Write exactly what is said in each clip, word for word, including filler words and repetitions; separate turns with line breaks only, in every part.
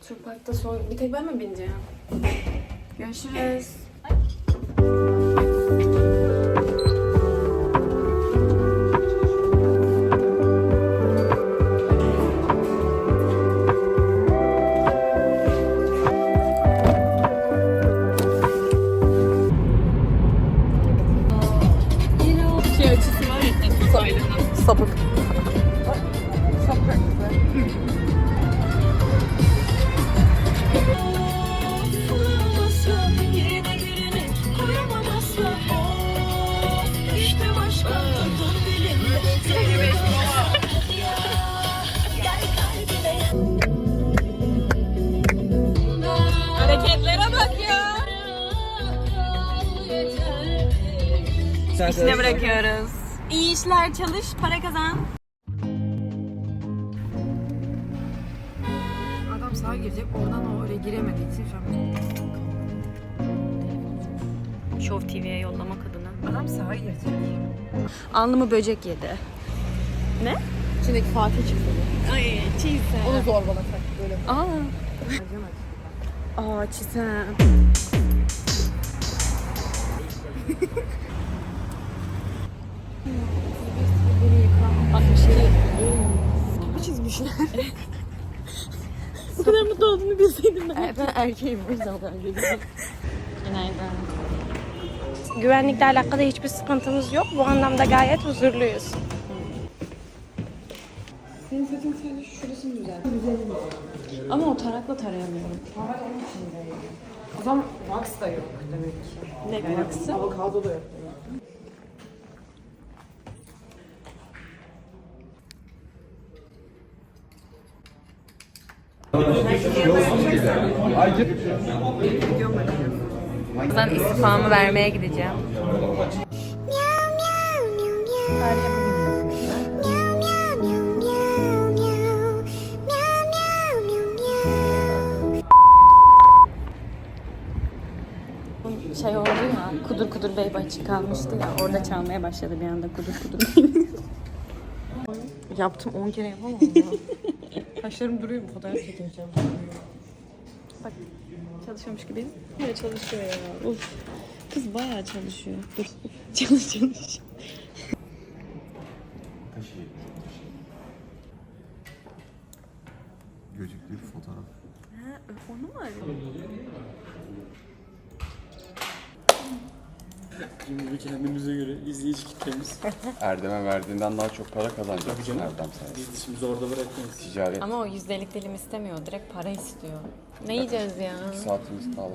Waterpark'ta son... Bir tek ben mi bineceğim? Görüşürüz. Şey açısı var ya, sahilden.
Sapık.
Hareketlere bak ya. İşine bırakıyoruz. İyi işler, çalış, para kazan.
Adam sağa girecek, oradan o oraya giremediği için şu an...
Show T V'ye yollamak adına.
Adam sağa girecek.
Alnımı böcek yedi. Ne?
İçindeki Fatih çıktı.
Ay çiğsem.
Onu zorbalasak böyle.
Aa.
Acımadı.
Aa çiğsem. Bak bir şey.
Bu çizmişler.
Bu kadar mutlu olduğunu bilseydim ben.
Ben erkeğim, o yüzden o kadar geliyorum.
Günaydın.
Güvenlikle alakalı hiçbir sıkıntımız yok. Bu anlamda gayet huzurluyuz.
Senin saçın sadece şurasını düzelt.
Ama o tarakla tarayamıyorum.
Var onun içinde. O zaman wax da yok demek ki.
Ne baksı?
Avokado da yok demek.
Ben istifamı vermeye gideceğim. Şey oldu ya, Kudur Kudur Bey açık kalmıştı ya, orada çalmaya başladı bir anda Kudur Kudur Bey.
Yaptım on kere yapamadım ya. Kaşlarım duruyor mu? Fotoğraf çekeceğim.
Bak, çalışıyormuş gibi. Evet çalışıyor ya. Uf. Kız bayağı çalışıyor. Dur. Çalış çalış.
Gözüklü bir fotoğraf.
Ha, onu mu arıyor?
Şimdi kendimize göre izleyici kitlemiz.
Erdem'e verdiğinden daha çok para kazanacaksın
Tabii canım.
Erdem sayesinde.
Biz dişimizi orada bırakmayız.
Ticaret.
Ama o yüzdelik dilim istemiyor. Direkt para istiyor. Ne yiyeceğiz ya?
Bir saatimiz kaldı.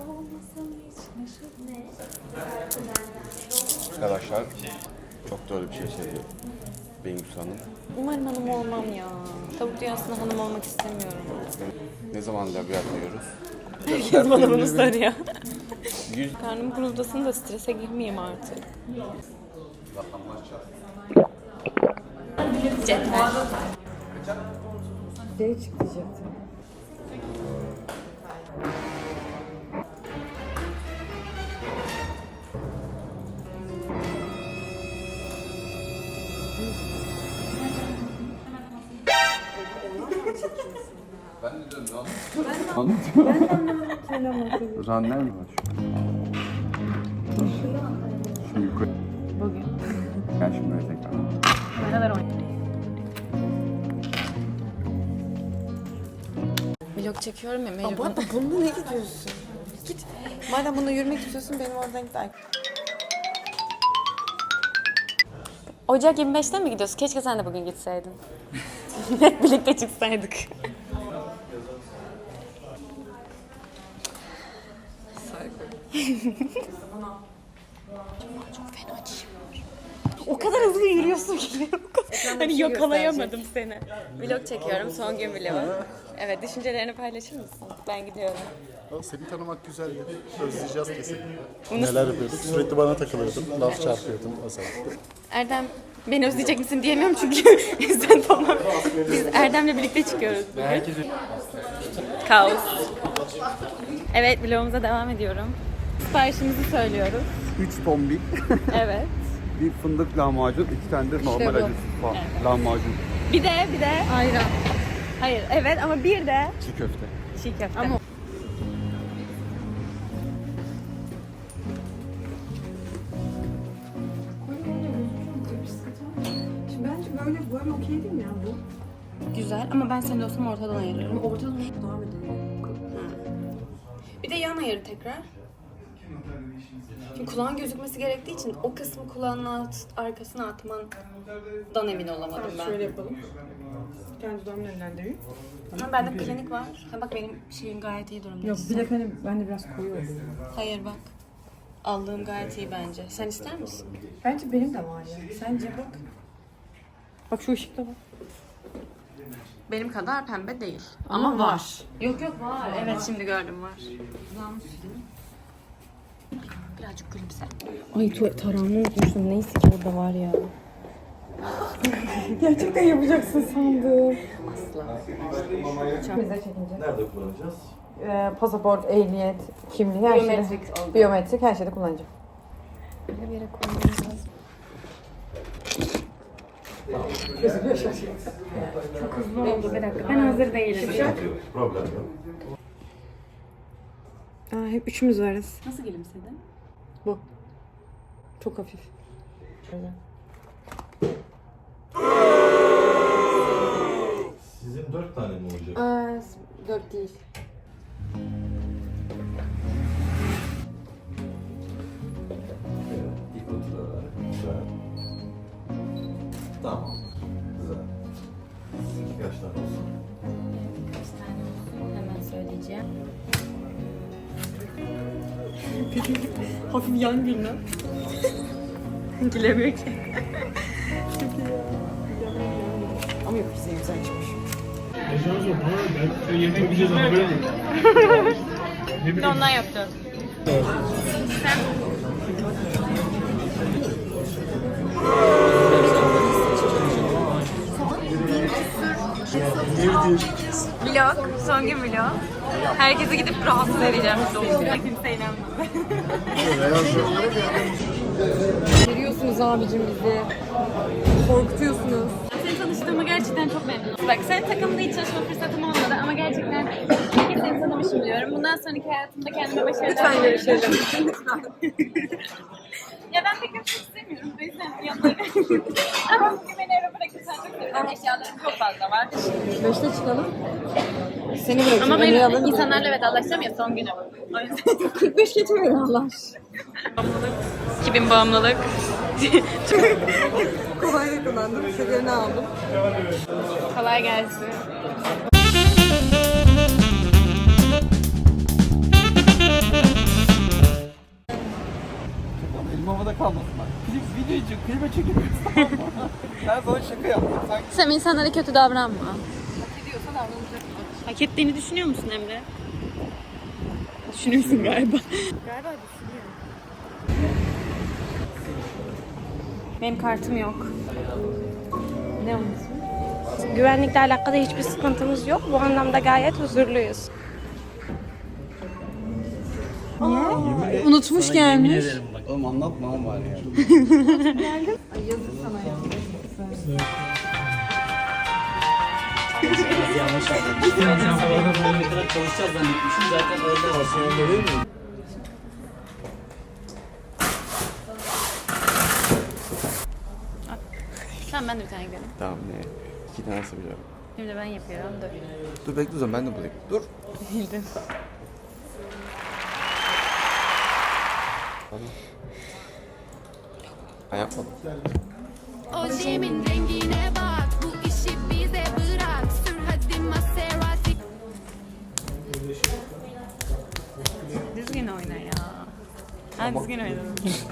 Arkadaşlar çok doğru bir şey söylüyor Bengüs Hanım.
Umarım hanım olmam ya. Tavuk dünyasında hanım olmak istemiyorum.
Ne zaman labiyat yiyoruz?
Herkes bana bunu soruyor.
Yüz...
Karnım guruldasın da strese girmeyeyim artık. Cetvel.
Şey çıktı diyecektim.
Ben de diyorum ne anlatıyor? Ben de anlamadım. Ranner mi var şu? Şu yukarı.
Bugün.
Gel şimdi böyle tekrar.
Ne kadar oynuyor? Vlog çekiyorum ya Mecnun.
Abla bununla ne gidiyorsun? Git. Madem bununla yürümek istiyorsun benim oradan git.
Ocak yirmi beşte mi gidiyorsun? Keşke sen de bugün gitseydin. Hep birlikte çıksaydık. Çok fena çişim var. O kadar hızlı yürüyorsun ki. Hani yakalayamadım seni. Vlog çekiyorum. Son gün vlogu. Evet, düşüncelerini paylaşır mısın? Ben gidiyorum.
Seni tanımak güzeldi. Özleyeceğiz kesin.
Bunu-
Neler yapıyorduk? Sürekli bana takılıyordun. Laf çarpıyordun özellikle.
Erdem, beni özleyecek misin diyemiyorum çünkü sen tamam. Biz Erdem'le birlikte çıkıyoruz bugün. Kaos. Evet, vlogumuza devam ediyorum. Siparişimizi söylüyoruz.
üç tombik,
Evet.
bir fındık lahmacun, iki tane de normal acı falan lahmacun.
Bir de, bir de ayran. Hayır, evet ama bir de
Çiğ köfte.
Çiğ köfte.
Ama Şimdi bence böyle böyle okey değil mi ya bu?
Güzel ama ben senin olsam ortadan ayırırım.
Ama ortada devam edelim.
Bir de yan ayır tekrar. Şimdi kulağın gözükmesi gerektiği için o kısmı kulağın alt, arkasına atmandan emin olamadım ben.
Şöyle yapalım. Kendi dudağımın önlendireyim.
Ama bende klinik var. Ha bak benim şeyim gayet iyi durumda.
Yok bir de benim, ben de biraz koyu oluyor.
Hayır bak. Aldığım gayet iyi bence. Sen ister misin?
Bence benim de var ya. Sence bak. Bak şu ışıkta bak.
Benim kadar pembe değil.
Ama var.
Yok yok var. Evet şimdi gördüm var. Birazcık gülümse.
Ay tarağımı unutmuştum. Neyse ki burada var ya. Gerçekten yapacaksın sandım. Asla. Bize çekince.
Nerede kullanacağız?
Ee, pasaport, ehliyet, kimliği her şeyde.
Biyometrik oldu.
Biyometrik her şeyde kullanacağım.
Bir yere koymamız lazım. Çok hızlı oldu bir dakika. Ben hazır değilim.
Problem yok.
Aa, hep üçümüz varız.
Nasıl gülümsedin?
Bu. Çok hafif.
Sizin dört tane mi olacak?
Aa, dört değil.
Evet. İlk oturalar. Güzel. Tamam. Güzel. Sizinki kaç tane olsun?
Kaç tane olsun? Hemen söyleyeceğim.
Hafif yan gülme.
Gülemiyor ki.
Ama yok bize güzel çıkmış.
Bir de ondan yapacağız. Vlog, son gün vlog. Herkese gidip rahatsız edeceğim. Doğumda kimse inanmadı.
Görüyorsunuz abicim bizi. Korkutuyorsunuz.
Seni tanıştığıma gerçekten çok memnunum. Bak sen takımda hiç çalışma fırsatım olmadı ama gerçekten iyi ki seni tanımışım diyorum. Bundan sonraki hayatımda kendime başarılar
Lütfen görüşelim.
Ya ben pek yapmak istemiyorum. O yüzden yanlarım. Ama bugün beni eve bırakırsan çok sevinirim. Eşyalarım çok fazla var.
Beşte çıkalım. Seni bırakayım.
Ama
Emre'yi
ben
alırım.
insanlarla vedalaşacağım ya son günüm. O yüzden.
kırk beş geçmiyor Allah.
iki bin bağımlılık.
Kolayla kullandım. Şekerini aldım.
Kolay gelsin.
Elim havada kalmasın bak. Klip video için klibe çekilmiyoruz. Ben sana şaka yaptım. Sanki
Sen insanlara kötü davranma. Hak ediyorsa davranacak. Hak ettiğini düşünüyor musun Emre? Düşünüyorsun galiba. Galiba düşünüyorum. Benim kartım yok. Ne onun ismi?
Güvenlikle alakalı hiçbir sıkıntımız yok. Bu anlamda gayet huzurluyuz.
Unutmuş gelmiş.
oğlum anlatma ama bari ya. Yanlış anladım. Sen falan çalışacağız zannetmişsin. Zaten öyle var.
Tamam ben de bir tane gidelim.
Tamam ne? İki tane biliyorum.
Şimdi ben yapıyorum. Dur.
Dur bekle o zaman ben de bulayım. Dur.
Bildim.
Ben yapmadım.
Ojemin rengine bak, bu işi bize bırak. Sür hadi Maserati.
Düzgün oyna ya. Ha düzgün oyna.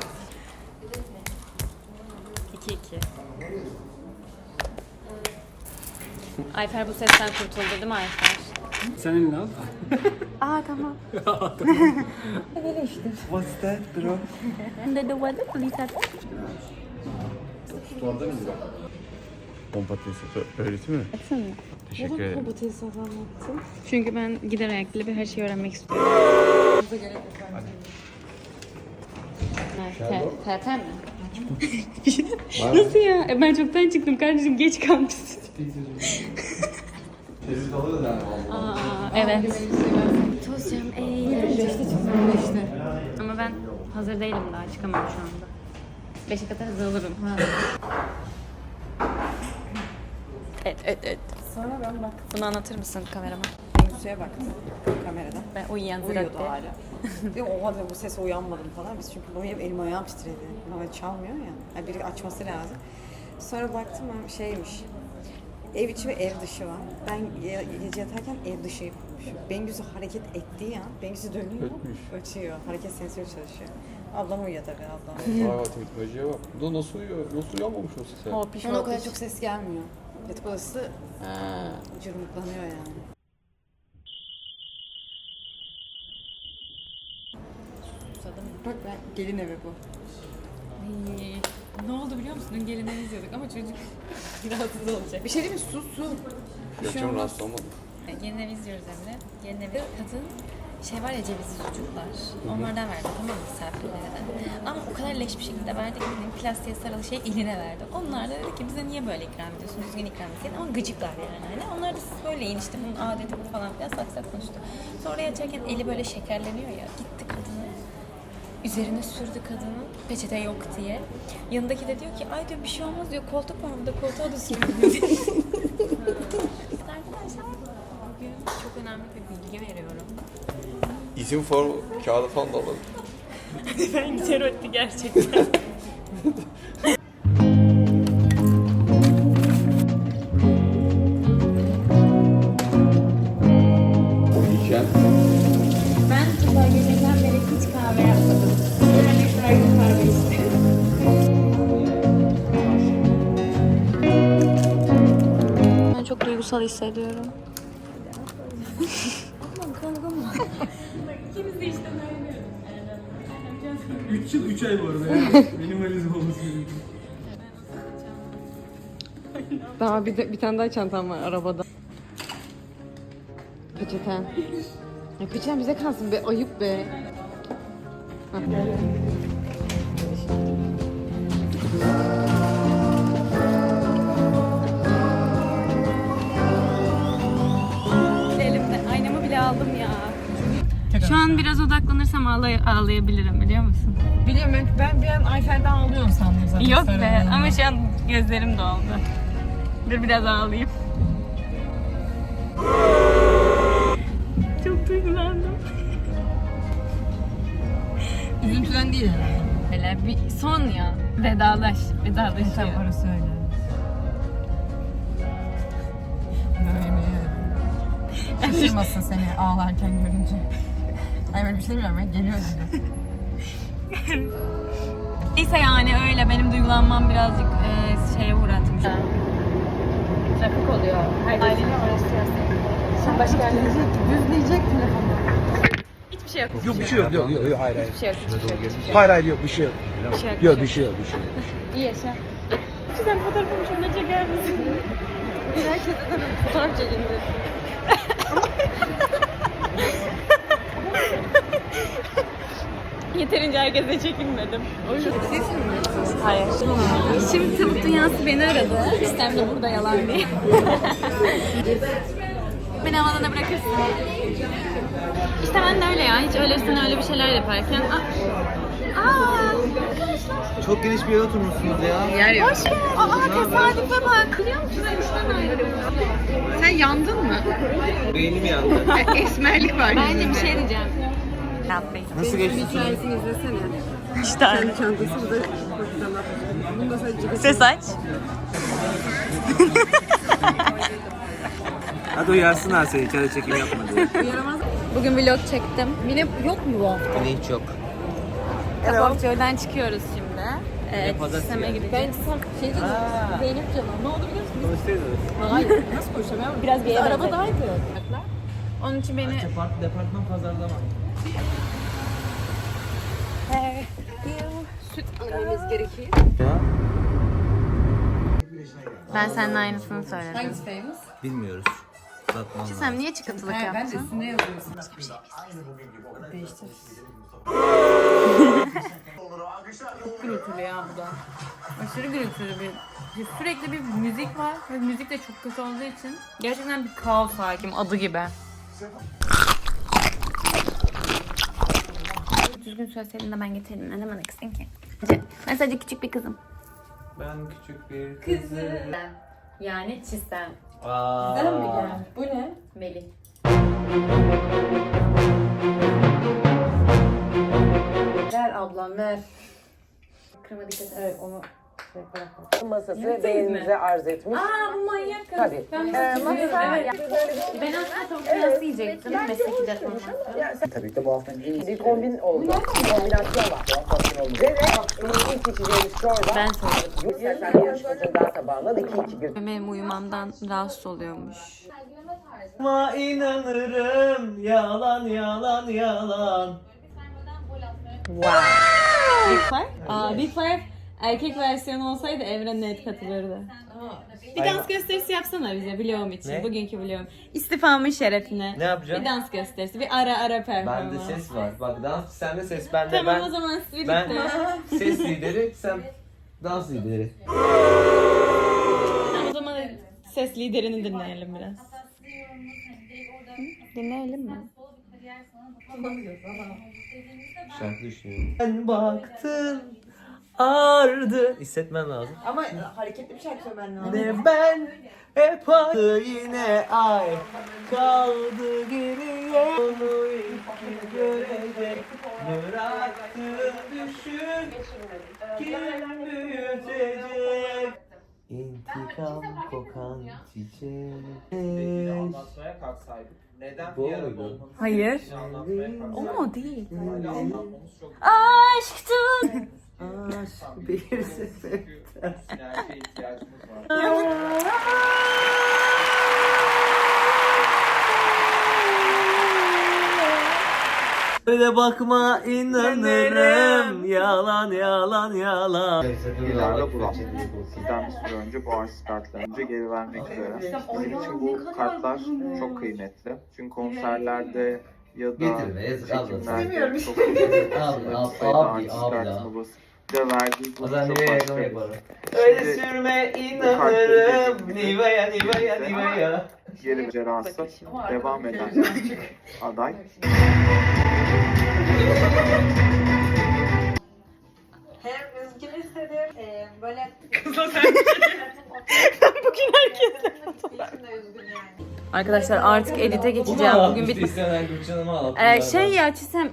iki iki. Ayfer bu sesten kurtuldu değil mi Ayfer?
Sen elini al.
Aa tamam.
What's that bro?
Under the weather please.
Orada mı? Pompa tesisi öğreti mi?
Etsene.
Teşekkür ederim.
Çünkü ben gider ayaklı bir her şeyi öğrenmek istiyorum. T T mi? Nasıl ya? E, Ben çoktan çıktım kardeşim geç kalmışsın.
Tezit alırız yani.
Aa, evet. Tuzcam eğil.
İşte.
Ama ben hazır değilim daha. Çıkamam şu anda. Beşe kadar hazır olurum. Evet, evet, evet.
Sonra ben bak.
Bunu anlatır mısın kamerama?
Bengisu'ya baktım kameradan.
Ben uyuyan
Uyuyordu
ziratte.
hala. Diyorum oha diyorum, bu sese uyanmadım falan. Biz çünkü bunu yiyip elim ayağım titredi. Ama çalmıyor ya. Yani biri açması lazım. Sonra baktım ben şeymiş. Ev içi ve ev dışı var. Ben ge- gece yatarken ev dışı yapmışım. Bengüsü hareket ettiği an, Bengüsü dönüyor,
Ötmüş.
ötüyor. Hareket sensörü çalışıyor. Ablam uyuyor tabii, ablam.
Vay vay teknolojiye bak. Bu da nasıl uyuyor? Nasıl uyanmamış o sese?
Hop iş
Ona o
hop
kadar
iş.
çok ses gelmiyor. Yatak odası cırmıklanıyor yani. Bak ben gelin evi bu.
Ay, ne oldu biliyor musun? Dün gelinleri izliyorduk ama çocuk rahatsız olacak.
Bir şey değil mi? Su su.
Yok canım rahatsız olmadım.
Gelin evi izliyoruz Emre. Gelin evi kadın şey var ya cevizli sucuklar. Onlardan verdi tamam mı misafirlere de. Ama o kadar leş bir şekilde verdi ki benim plastiğe sarılı şey eline verdi. Onlar da dedi ki bize niye böyle ikram ediyorsun? Düzgün ikram etseydin ama gıcıklar yani. Hani onlar da siz böyle yiyin işte bunun adeti bu falan filan sak sak konuştu. Sonra açarken eli böyle şekerleniyor ya. Gitti kadını. Üzerine sürdü kadının peçete yok diye. Yanındaki de diyor ki ay diyor bir şey olmaz diyor koltuk var burada koltuğa da sürüyor. Arkadaşlar bugün çok önemli bir bilgi veriyorum.
İzin formu kağıdı falan da alalım.
Ben güzel öttü gerçekten.
İçen.
Ben sabah geceden beri hiç kahve yapmadım. Yani bıraktım kahve istiyorum. Ben çok duygusal hissediyorum.
üç yıl üç ay bu arada yani. Benim valizim olması gerekiyor.
Daha bir, de, bir tane daha çantam var arabada. Peçeten. Ya peçeten bize kalsın be, ayıp be. Hah.
Elimde aynamı bile aldım ya. Şu an biraz odaklanırsam ağlay ağlayabilirim biliyor musun?
Biliyorum ben, ben bir an Ayfer'den ağlıyorum sandım zaten.
Yok be ama şu an gözlerim doldu. Dur biraz ağlayayım. Çok duygulandım.
Üzüntüden değil herhalde.
Hele bir son ya. Vedalaş. Vedalaş.
Tabii orası öyle. Böyle biliyorum. Şaşırmasın seni ağlarken görünce. Ay böyle bir şey demiyorum ya, geliyor dedi.
Neyse yani öyle benim duygulanmam birazcık e, şeye uğratmış. Trafik oluyor. Ailenin orası Şimdi başka yerlere
Düzleyecek telefonu.
hiçbir şey yok.
Yok bir şey yok. Yok yok yok hayır hayır.
Hiçbir şey yok. Hiçbir şey yok. Hiçbir şey yok.
Hayır hayır yok bir şey yok.
Bir şey yok.
Yok bir şey yok bir şey yok.
İyi yaşa. Güzel fotoğrafımı şöyle çeker misin?
Herkese de fotoğraf çekildi.
Yeterince herkese çekinmedim. Hayır. Şimdi tavuk dünyası beni aradı. İstem de burada yalan diye. Beni havalana bırakırsın. İşte ben de öyle ya. Hiç öylesine öyle bir şeyler yaparken. Aa, aa
Çok geniş bir yere oturmuşsunuz ya.
Yer yok.
hoş geldin. Aa tesadüfe bak. Kılıyor musun sen işten ayrılıyorsun?
Sen yandın mı?
Beynim yandı.
Esmerlik var.
Bence bir şey diyeceğim. Yapmayın.
Nasıl geçti?
Hikayesini izlesene.
İşte
Çantası bu da bunu da sadece
ses aç.
Hadi uyarsınlar seni kare çekim yapma diye.
Bugün vlog çektim. Yine yok mu bu hafta?
Yine hiç yok.
Kapakçı'dan çıkıyoruz şimdi. Evet,
pazartesi
sisteme
yani.
gideceğiz. Ben tam şey dedim, Zeynep canım. Ne oldu biliyor musun?
Konuşsaydınız.
Hayır, nasıl konuşamıyorum? Biraz bir arabadaydı. Onun için beni...
Depart, departman pazarlama.
süt almamız gerekiyor.
Ben seninle aynısını söyledim.
Hangisi famous?
Bilmiyoruz. Satmam lazım.
Sen niye çıkıntılık
He, ben de
yaptın?
üstünde yazıyorsun. Değiştir.
Çok gürültülü ya bu da. Aşırı gürültülü bir. Sürekli bir müzik var ve müzik de çok kötü olduğu için gerçekten bir kaos hakim adı gibi. Düzgün söyleseydin de ben getirdim. Ne demek kızın ki? Ben sadece küçük bir kızım.
Ben küçük bir kızım.
Yani Çisem.
Aa.
Güzel mi geldi? Bu ne?
Melih.
Ver ablam ver.
Kırma dikkat et.
Evet onu şey bırakalım.
Masası
Yaptınız
beyninize
mı?
arz etmiş.
Aa bu manyak kız.
Tabii.
Ben,
Ee, masa-
evet. Ben aslında tavuk pilavı yiyecektim. Mesleki deformasyon.
Ya sen- Tabii ki bu haftanın en iyi bir kombin oldu. Bir kombinasyon var. Ve de ilk içeceğimiz çorba.
Ben söyledim.
İstersen bir yarışmacının daha tabağından iki iki bir.
Benim uyumamdan rahatsız oluyormuş.
Ma inanırım yalan yalan yalan.
Big Five? Aa, Big Five erkek versiyonu olsaydı Evren net katılırdı. Bir dans gösterisi yapsana bize vlogum için.
Ne?
Bugünkü vlogum. İstifamın şerefine.
Ne yapacağım?
Bir dans gösterisi. Bir ara ara performans.
Bende ses var. Bak dans sende ses bende
Tamam
ben.
o zaman birlikte.
Ben ses lideri sen dans lideri.
Tamam, o zaman ses liderini dinleyelim biraz. Hı? Dinleyelim mi?
Şarkı düşünüyorum. Ben baktım ardı. Hissetmen lazım.
Ama hareketli bir şarkı söylemen lazım.
Ne ben hep aynı yine ay kaldı geriye onu ilk görecek bıraktı düşün kim büyütecek İntikam kokan çiçek.
Anlatmaya kalksaydık. Neden
Bu
bir arada
muydu?
olmamız?
Hayır.
Anlatmaya
O
kalksaydık.
mu değil?
Hala anlatmamız çok
Aşktı.
Aşk bir sefer.
sinerjiye ihtiyacımız var.
Öyle bakma inanırım yalan yalan yalan.
Yıllarla bulan. Sizden bir süre önce bu arz kartlarını önce geri vermek üzere. Bizim için bu kartlar çok kıymetli. Çünkü konserlerde ya da
Getirme, yazık, abla.
çekimlerde çok
Abla,
çok sayıda
abi,
artist
abla.
kartını basıp bir de verdiği bu
Azan
çok
Nivea
başka
yemek
bir
var.
şey.
Öyle
Şimdi
sürme
bu kartları
inanırım
getirdiğimizde
Nivea Nivea Nivea.
geri cerrahsı devam eden aday.
Hem üzgün hissediyorum. Ee, böyle...
Bugün herkesle Arkadaşlar artık edite geçeceğim. Bugün bir ee, şey ya Çisem.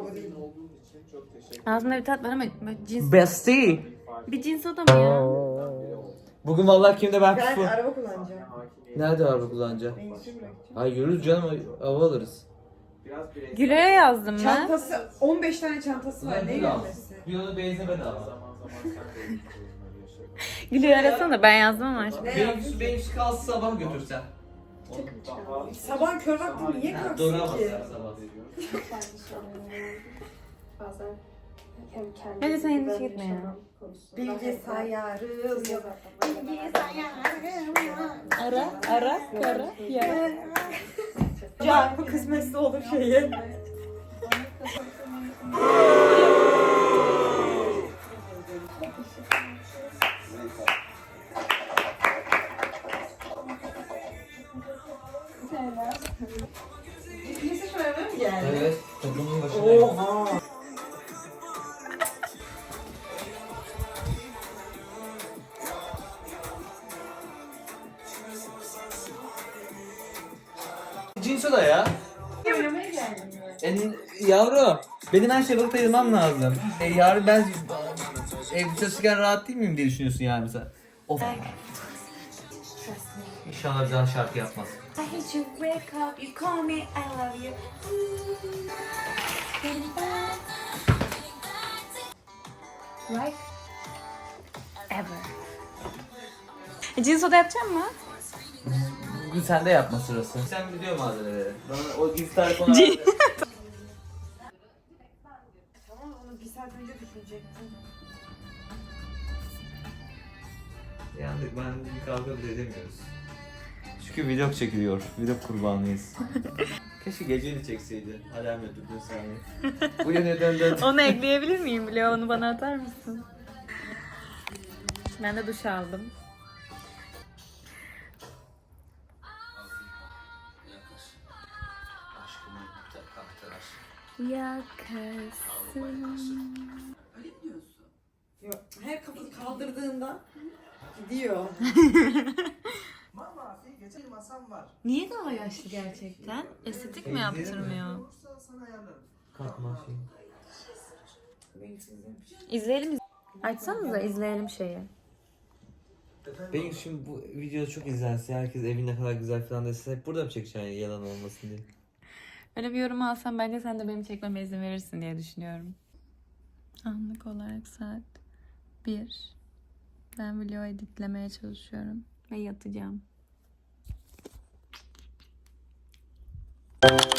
Ağzımda bir tat var ama böyle cins.
Bestie.
Bir cins o da mı ya?
Bugün vallahi kimde ben
Ben
kufu.
araba kullanacağım.
Nerede araba kullanacağım? Ay yürürüz canım hava alırız.
Güle'ye yazdım ben.
Çantası, on beş tane çantası var. Ne görmesi?
Bir ona benzin bedava.
Güle'yi arasana ben yazdım ama aşkım.
Benim benim kalsı sabah götürsen.
Sabah kör vakti niye kalksın ki?
Hadi sen endişe gitme ya.
Bilgisayarım yok. Bilgisayarım yok.
Ara, ara, ara, ya.
Ya bu kısmetse olur şeyi. Lise şöyle mi geldi?
Evet, toplumun başındayım.
Oha.
Cinso da ya.
Oynamaya geldim ya.
En, yavrum, benim her şeyi balıkta yılmam lazım. E, yarın ben evde çalışırken rahat değil miyim diye düşünüyorsun yani mesela. Of. İnşallah bir daha şarkı yapmaz.
I hate you, wake up, you call me, I love you.
Like ever. Cins oda yapacak mı?
Bugün sende yapma sırası. Sen biliyor malzemeleri. Bana o gizli tarif ona
Tamam onu bir saat önce düşünecektim.
Yandık, ben bir kavga bile edemiyoruz. Çünkü vlog çekiliyor. Vlog kurbanıyız. Keşke geceyi çekseydi. Alarm ötürdün saniye. Bu yöne dön dön.
Onu ekleyebilir miyim vloga? Onu bana atar mısın? Ben de duş aldım. Yakasın.
Yok, her kafayı kaldırdığında gidiyor.
Niye daha yaşlı gerçekten? Estetik mi yaptırmıyor?
Kalkma şey.
İzleyelim. Açsanıza izleyelim şeyi.
Benim şimdi bu video çok izlense, herkes evin ne kadar güzel falan dese hep burada mı çekeceksin yani yalan olmasın diye.
Öyle bir yorum alsam bence sen de benim çekmeme izin verirsin diye düşünüyorum. Anlık olarak saat bir. Ben video editlemeye çalışıyorum ve yatacağım.